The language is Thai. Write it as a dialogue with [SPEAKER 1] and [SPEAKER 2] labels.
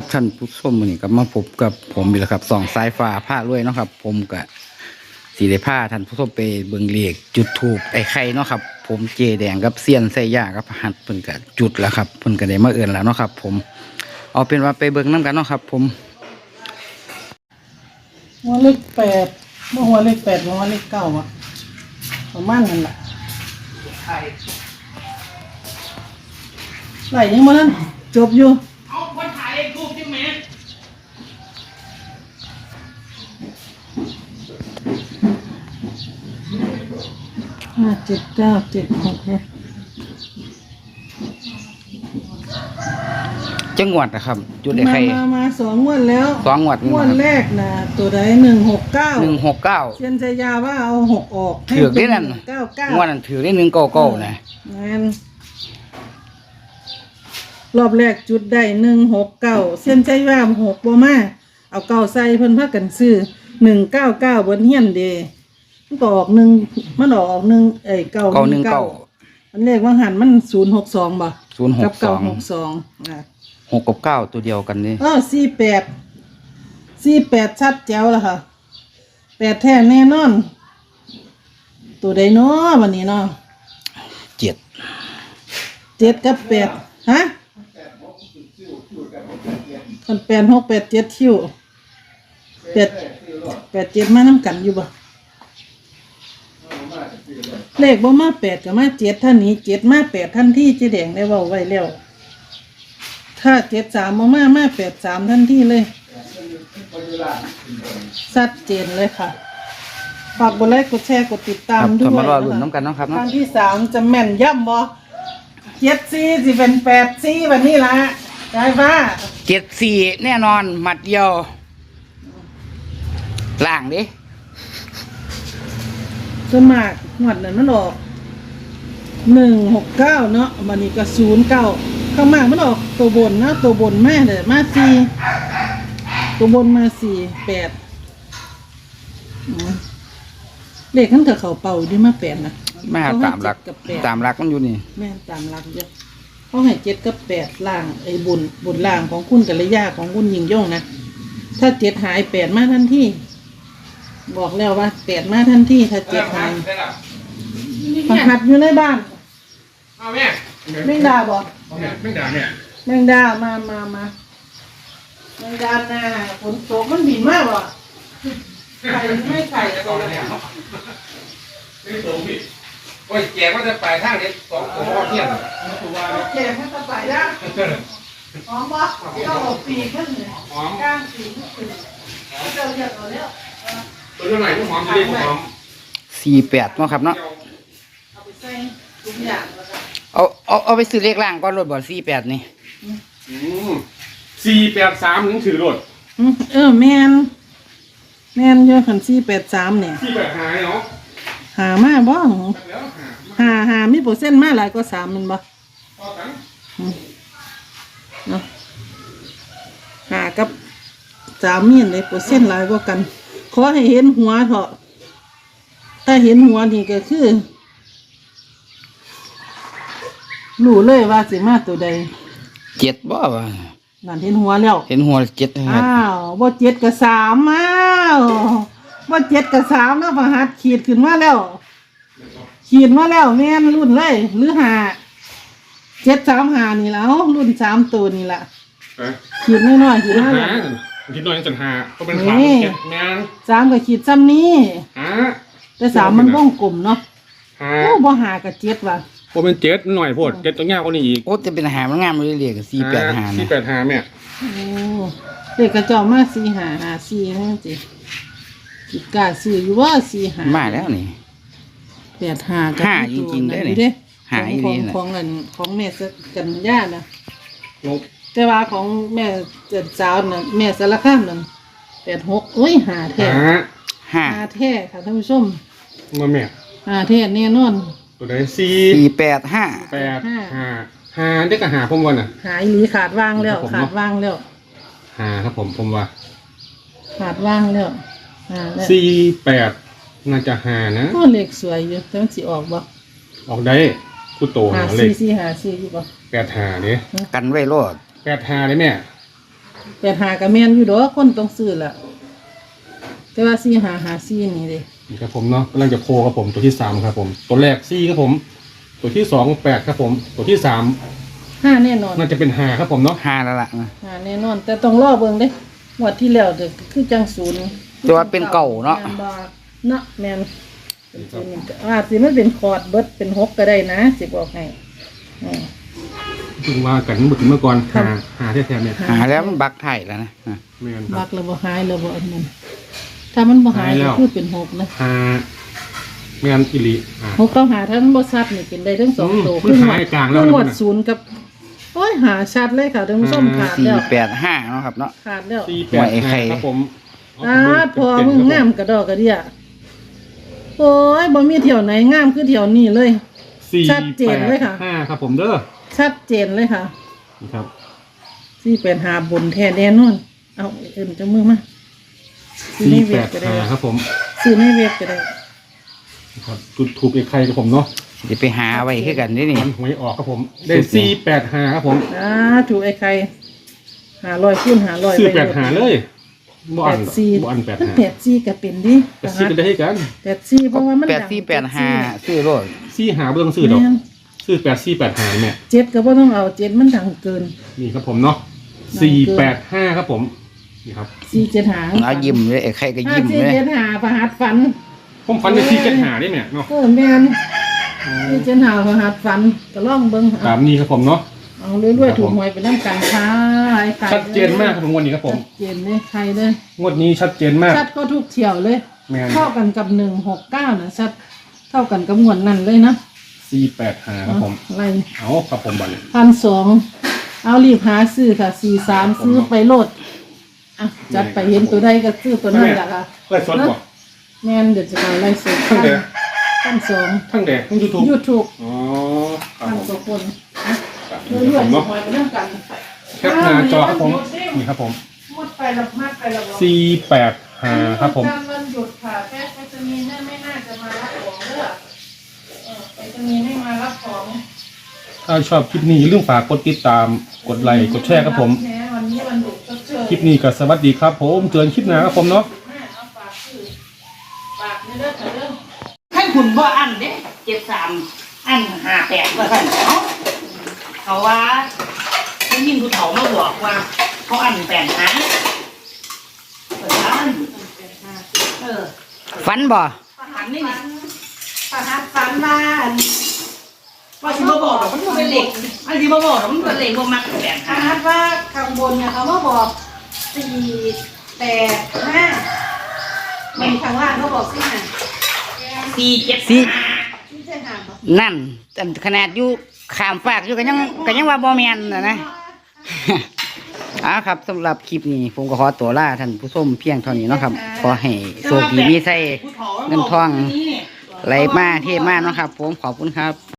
[SPEAKER 1] ท่านผู้ชมมื้อนี้ก็มาพบกับผมอีกแล้วครับสองสายฟ้าผ้ารวยเนาะครับผมก็สีได้ผ้าท่านผู้ชมไปเบิ่งเลขจุดถูกไอ้ไข่เนาะครับผมเจแดงกับเซียนไส้ย่ากับหัดเพิ่นก็จุดแล้วครับเพิ่นก็ได้มาเอิ้นแล้วเนาะครับผมเอาเป็นว่าไปเบิ่งนํกันเนาะครับผม
[SPEAKER 2] หัวเลข8บ่หัวเลข8หัวเลข9อ่ะประมาณนั้นล่ะไหลยังบ่นั้นจบอยู่เอาคนถ่ายเลขทูปใช่มั้ย57976
[SPEAKER 1] จังหวัดนะครับจุดไอ้ไข่
[SPEAKER 2] มา2งวดแล้ว
[SPEAKER 1] 2งวด
[SPEAKER 2] งวดแรกน่ะตัวใด169เซียนชายาว่าเอา6ออก
[SPEAKER 1] ถือได้นั่น99งวดนั้นถือได้199นะ
[SPEAKER 2] งั้นรอบแรกจุดได้169เซียนชายา6บ่มาเอา9ใส่เพิ่นพากันซื้อ199บนเฮียนเด้มันก็ออก1มันออก1919อันเลขว่าหันมัน062บ่กับ962
[SPEAKER 1] 6กับ9ตัวเดียวกันนี่
[SPEAKER 2] 48ชัดแจ๋วแล้วค่ะ8แท้แน่นอนตัวใดเนาะวันนี้เนาะ7กับ8ฮะคน8 6 8 7คิว8 7มานำกันอยู่บ่เลขบ่มา8ก็มา7ท่านนี้7มา8ทันทีเจ๊แดงได้เว้าไว้แล้วถ้า73มา83ทันทีเลยชัดเจนเลยค่ะฝากกดไลค์กดแชร์กดติดตามด้วย
[SPEAKER 1] มารอลุ้นน้ำกันเนาะครับ
[SPEAKER 2] ครั้งที่3จะแม่นย่ำบ่74สิเป็น84วันนี้ล่ะได้ป่ะ
[SPEAKER 1] 74แน่นอนหมัดเดียวล่างดิ
[SPEAKER 2] ส่วนมากงวดนั้นมันออก169เนาะวันนี้ก็09ข้างมากมันออกตัวบนนะตัวบนแม่เลยมา4ตัวบนมา4 8เลขขั้นกับเขาเป่าดิมา8นะ
[SPEAKER 1] มาตามหลักมันอยู่นี่
[SPEAKER 2] แม่ตามหลักเยอะเขาให้7กับ8ล่างไอ้บนล่างของคุณกัลยาของคุณยิงย่งนะถ้า7หาย8มาทันทีบอกแล้วว่า8มาทันทีถ้า7หายผักหัดอยู่ในบ้าน
[SPEAKER 3] เอาแม่
[SPEAKER 2] แมงดาบอก
[SPEAKER 3] แม่งด่าเนี่ย
[SPEAKER 2] แมงดามาแมงดาหน้าฝนตกมันบินมากว่ะไข่ไม่ไข่ตัวแล้ว
[SPEAKER 3] ไม่ตรงพี่โอ้ยแกก็จะไปทางนี้2ตัวเที่ยง
[SPEAKER 2] แกมันจะไปได้หอมบ่เจ้าปีขึ้นเลยกลางปีขึ้นเจ้าเรียกเอาแล้ว
[SPEAKER 3] ตัวเท่าไหร่หอมดีหอม
[SPEAKER 1] 48เนาะครับเนาะ
[SPEAKER 2] เอาไปใส่ทุกอย่าง
[SPEAKER 1] เอาไปซื้อเลขล่างก่อนรถบ่48นี่
[SPEAKER 3] 483ถึงถือรถ
[SPEAKER 2] แม่นเยอะขัน483เนี่ย
[SPEAKER 3] 485เนาะ
[SPEAKER 2] หามาบ่หามีเปอร์เซ็นต์มาหลายกว่า3มันบ่เนาะหากับ3มีเลยเปอร์เซ็นต์หลายกว่ากันขอให้เห็นหัวเถอะถ้าเห็นหัวนี่ก็คือรู้เลยว่าสิมาตัวใด
[SPEAKER 1] 7บ่ว่า
[SPEAKER 2] นั่นเห็นหัวแล้ว
[SPEAKER 1] เห็นหัว7
[SPEAKER 2] บ่7กับ3บ่7กับ3แล้วพหัสขีดขึ้นมาแล้วแม่นรุ่นเลยหรือ735นี่แล้วรุ่น3ตัวนี่ล่ะขีดน้อยๆขีดมาแล้ว
[SPEAKER 3] ขีดน้อยจัง5ก็เป็น3แม่น
[SPEAKER 2] 3ก็ขีดซ้ำนี้แต่3มันวงกลมเนาะโอ้บ่5กับ7ว่ะ
[SPEAKER 3] บ่เป็น7หน่อยโพด7ต้องยาวกว่านี้อีก
[SPEAKER 1] โอ้จะเป็นหามันงามเลยเรียก485
[SPEAKER 3] นะ485แม่
[SPEAKER 2] โอ้เด็กกระจอกมา4554นั่นสิคิดกล้าซื้ออยู่ว่า45
[SPEAKER 1] มาแล้วนี่
[SPEAKER 2] 85กับ
[SPEAKER 1] 5จริงๆได้นี่5อีหลีน่ะ
[SPEAKER 2] ของแม่กันย่านะแต่ว่าของแม่เจ็ดสาวน่ะแม่สารคามนั่น86โอ้ย5แท้5แท้ค่ะท่านผู้ชม
[SPEAKER 3] มาแม่
[SPEAKER 2] 5แท้แน่นอน
[SPEAKER 3] ตัวใด
[SPEAKER 1] 485
[SPEAKER 3] ได้ก็หาผมว่าน่ะ
[SPEAKER 2] หาอีหลีขาดวางแล้ว
[SPEAKER 3] หาครับผมว่า
[SPEAKER 2] ขาดว่างแล้ว
[SPEAKER 3] 48น่าจะหานะ
[SPEAKER 2] ก็เลขสวยอยู่แต่มันสิออกบ่
[SPEAKER 3] ออกได้ผู้โตเลข
[SPEAKER 2] 454อยู่บ่
[SPEAKER 3] 85เด้
[SPEAKER 1] กันไว้รอด
[SPEAKER 3] 85เด้แม่
[SPEAKER 2] 85ก็แม่นอยู่ดอกคนต้องซื้อล่ะแต่ว่า4554นี่เด้
[SPEAKER 4] นี่ครับผมเนาะกำลังจะโพครับผมตัวที่3ครับผมตัวแรก4ครับผมตัวที่2 8ครับผมตัวที่3
[SPEAKER 2] 5แน่นอน
[SPEAKER 4] น่าจะเป็น5ครับผมเนาะ
[SPEAKER 1] ห้าแล้วล่ะนะ
[SPEAKER 2] 5แน่นอน แต่ต้องรอเบิ่งเด้งวดที่แล้วเด้อคือจังศูนย์
[SPEAKER 1] ตัวเป็นเก่าเนาะ
[SPEAKER 2] แม่บ่เนาะแม่นเป็นศูนย์นี่ก็อาจสิมันเป็นคอร์ดเบิดเป็น6ก็ได้นะสิบอกให้อืม
[SPEAKER 4] ถึงว่ากันเมื่อก่อนหาแท้ๆเนี่ย
[SPEAKER 1] หาแล้วมันบักไทยแล้วนะอ่ะ
[SPEAKER 4] ไม่งั้นค
[SPEAKER 2] บั
[SPEAKER 4] รับ
[SPEAKER 2] กแล้วบ่หายแล้วบ่อันนั้นถ้ามันบ่หาย
[SPEAKER 4] หายแล้
[SPEAKER 2] ก็
[SPEAKER 4] ว
[SPEAKER 2] คือเป็น6นะ
[SPEAKER 4] หาไม่งั้นอิลิ
[SPEAKER 2] 6ต้องหาถ้ามันบ่ชัดนี่เป็นได้ทั้งสองตัว
[SPEAKER 4] มันหายกลางแล้ว
[SPEAKER 2] คือหมวด
[SPEAKER 4] นะ
[SPEAKER 2] ศูนย์กับโอ้ยหาชัดเลยค่ะท่านผู้ชมขาดแล้ว
[SPEAKER 1] 485เนาะครับเนาะ
[SPEAKER 2] ขาดแล้ว
[SPEAKER 4] 485ครับผม
[SPEAKER 2] พอมึงงามกระดอกกระเดียโอ้ยบ่มีเที่ยวไหนงามคือเที่ยวนี้เลย ชัดเจนเลยค่ะ
[SPEAKER 4] 5ครับผมเด้อ
[SPEAKER 2] ชัดเจนเลยค่ะ
[SPEAKER 4] นี่ครับ
[SPEAKER 2] ที่เป็นหาบนแท้แน่นอนเอาเอิ้นเจ้ามือมาซื้อในเว็บก็ได้
[SPEAKER 4] 485ครับผม
[SPEAKER 2] ซื้อในเว็บก็ได้
[SPEAKER 4] ครับจุดถูกไอ้ใครครับผมเนาะ
[SPEAKER 1] จะไปหาไว้คือกันนี่นี่
[SPEAKER 4] มันหวยออกครับผมได้485ครับผม
[SPEAKER 2] ถูกไอ้ใคร500คูณ500
[SPEAKER 4] ซื้อ85เลยบ่อัน
[SPEAKER 2] 84
[SPEAKER 4] บ่อัน
[SPEAKER 2] มัน84ก็เป็นดิ
[SPEAKER 4] 84ก็ได้ให้กัน
[SPEAKER 2] 84เพราะว่ามันดัง
[SPEAKER 1] 8485ซื้อโลด
[SPEAKER 4] 45บ่ต้องซื้อดอก
[SPEAKER 2] แม่น
[SPEAKER 4] ซื้อ8485เนี่ย
[SPEAKER 2] 7ก็บ่ต้องเอา7มันดังเกิน
[SPEAKER 4] นี่ครับผมเนาะ485ครับผมนี่ครับ
[SPEAKER 2] 475
[SPEAKER 1] เอายิ้มเลยไอ้ไข่ก็ยิ้มเลย
[SPEAKER 2] 475ประหัดฝัน
[SPEAKER 4] ผมฟันไป475ได้เนี่ยเนาะ
[SPEAKER 2] แม่น475ประหัดฝันก็ลองเบิ่ง
[SPEAKER 4] ตามนี้ครับผมเนาะ
[SPEAKER 2] เอาเรื่อยๆถูกหวยไปนำกันค่ะไอ้ไข่
[SPEAKER 4] ชัดเจนมากครับผมงวดนี้ครับผม
[SPEAKER 2] ชัดเจนเลยใครเลย
[SPEAKER 4] งวดนี้ชัดเจนมาก
[SPEAKER 2] ชัดก็ทุกเที่ยวเลย
[SPEAKER 4] แม่น
[SPEAKER 2] เท่ากันกับ169นะชัดเท่ากันกับงวดนั้นเลยนะ
[SPEAKER 4] 485ครับผม
[SPEAKER 2] อะไร
[SPEAKER 4] เอาครับผมบัดนี้
[SPEAKER 2] 1,200เอารีบหาซื้อค่ะ43ซื้อไปโลดอ่ะจัดไปเห็นตัวใดก็ซื้อตัวนั้นแหละค่ะ
[SPEAKER 4] ไล่สดบ่
[SPEAKER 2] แม่นเดี๋ยวจะมาไล่สด
[SPEAKER 4] ทั้งแดง
[SPEAKER 2] 1,200
[SPEAKER 4] ทั้งแดกทั้งยูทูบ
[SPEAKER 2] YouTube
[SPEAKER 4] อ๋อครับ
[SPEAKER 2] พัน
[SPEAKER 4] ผม
[SPEAKER 2] กว่าคนอ่ะ
[SPEAKER 4] ครับ
[SPEAKER 2] เรื่อยๆ
[SPEAKER 4] เนาะ
[SPEAKER 2] หวยไปเรื่องกัน
[SPEAKER 4] แคปหน้าจอครับผมนี่ครับผม
[SPEAKER 2] หมดไปแล้วมากไปแล้ว
[SPEAKER 4] 485ครับผม
[SPEAKER 2] วันหยุดค่ะแค่ไปจะมีเนี่ยไม่น่าจะมารับของเด้อไปจะมีไม่มารับของ
[SPEAKER 4] ถ้าชอบคลิปนี้อย่าลืมฝากกดติดตามกดไลค์กดแชร์ครับผม
[SPEAKER 2] แม้วันนี้วันหยุดก็เจอ
[SPEAKER 4] คลิปนี้ก็สวัสดีครับผมเจอกันคลิปหน้าครับผมเนาะ
[SPEAKER 2] แม่เอาฝากคือฝากในเรื่องของเรื่อง
[SPEAKER 5] ท่านคุณว่าอันเด้73อัน58ว่าท่านเขาว่าได้ยินผู้เฒ่ามาบอกว่าเขาอัน8หาเปิดร้าน
[SPEAKER 1] ฝันบ่
[SPEAKER 5] อันนี้นี่
[SPEAKER 2] ประหัดฝันบ้าน
[SPEAKER 5] ว่าสิมาบอกหรอกมันเป็นเหล็กอันสิมาบอกหรอกมันเป็นเหล็กว่ามัก8
[SPEAKER 2] ประ
[SPEAKER 5] หา
[SPEAKER 2] หัดว่าข้างบนเนี่ยเขามาบอก485เป็นข้างล่างเขาบอก4
[SPEAKER 5] 475
[SPEAKER 2] ที่จะหาบ่
[SPEAKER 1] นั่นแต่ขนาดอยู่ขามฝากอยู่ก็ยังว่าบ่แม่นนะ ครับสำหรับคลิปนี้ผมก็ขอตัวลาท่านผู้ชมเพียงเท่านี้เนาะครับ ขอให้โชคดีมีไส้เงินทองไหลมาเทมาเนาะครับ ผมขอบคุณครับ